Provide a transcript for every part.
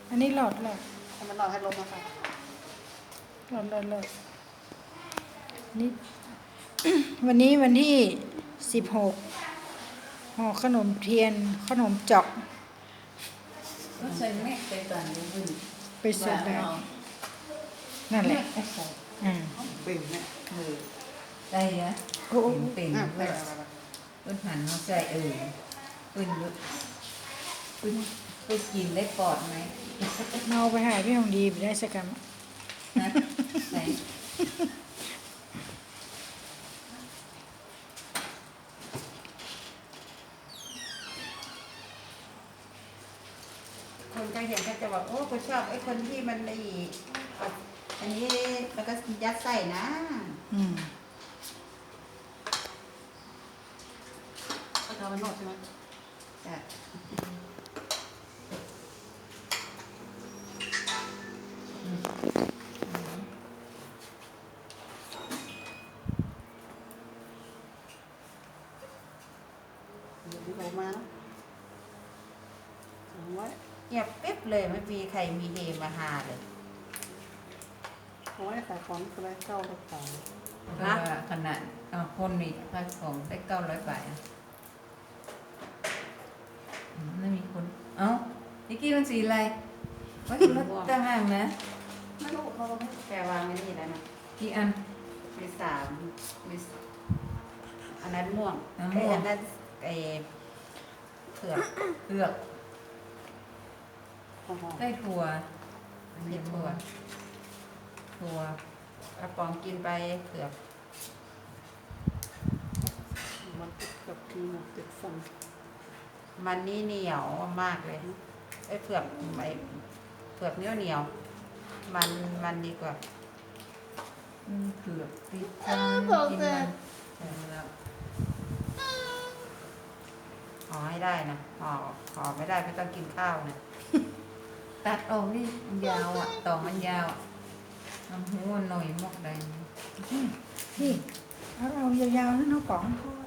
อันนี้หลอดให้มันหลอดให้ลมมาค่ะหลอดนี่ วันนี้วันที่16ห่อขนมเทียนขนมจอกก็ใส่แม่ไปก่อนเลยบุญไปเสิร์ฟได้นั่นแหละเป็นเนี่ยได้ยะโอ้เป็นเพิ่นหันมาใส่เพิ่นกินได้ปอดไหมเมาไปหาพี่ของดีไปได้สักกรรมนะไหนคนก็เห็นก็จะบอกโอ้ก็ชอบไอ้คนที่มันอันนี้แล้วก็ยัดใส่นะก็ทำมันหมดใช่ไหมจ้ะลงมาเงียบปิ๊บเลยไม่มีใครมีเฮมาหาเลยโอ้ยขายของอะไรเก้าร้อยบาทนะขนาดคนมีขายของได้900 บาทไม่มีคนเอ้านิกกี้มันสีอะไรว่าคือรถต่างหากนะไม่รู้เขาไม่แกวางไม่นี่แล้วนะกี่อันมี3มีอันนั้นม่วงอันนั้นเผือกได้ถั่วอันนี้ถั่วกระป๋องกินไปเผือกมันกับที่มันติดฟันมันนี่เหนียวมากเลยไอ้เผือกเหนียวมันดีกว่าเผือกติดฟันกินแล้วห่อให้ได้นะห่อไม่ได้ไม่ต้องกินข้าวนะตัดออกนี่ยาวต่อมันยาวน้ำหูหน่อยมอกใดนี่เอายาวๆนั่นเอาป๋อง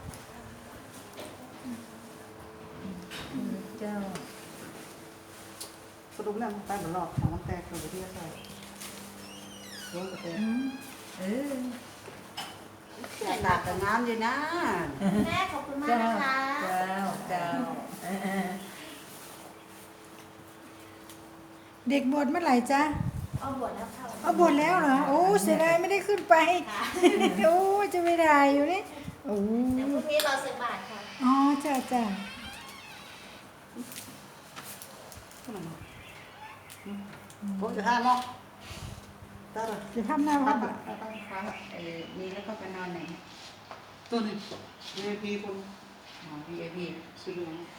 เจ้าสรุปแล้วไปเหมือนหลอกของมันแตกเลยที่จะใส่ร่วงกระเทียมหนักแต่น้ำอยู่นะแม่ขอบคุณมากนะคะเจ้าเด็กบวชเมื่อไหร่จ๊ะเอาบวชแล้วค่ะเอาบวชแล้วเหรอโอ้เสียดายไม่ได้ขึ้นไปโอ้จะไม่ได้อยู่นี่โอ้เดี๋ยวพรุ่งนี้รอใส่บาตรค่ะอ๋อจ้าผมจะห้ามเนาะจะทำหน้าวัดต้องค้างนี่แล้วก็ไปนอนไหนตัวนี้ VIP คนVIP ซื้อ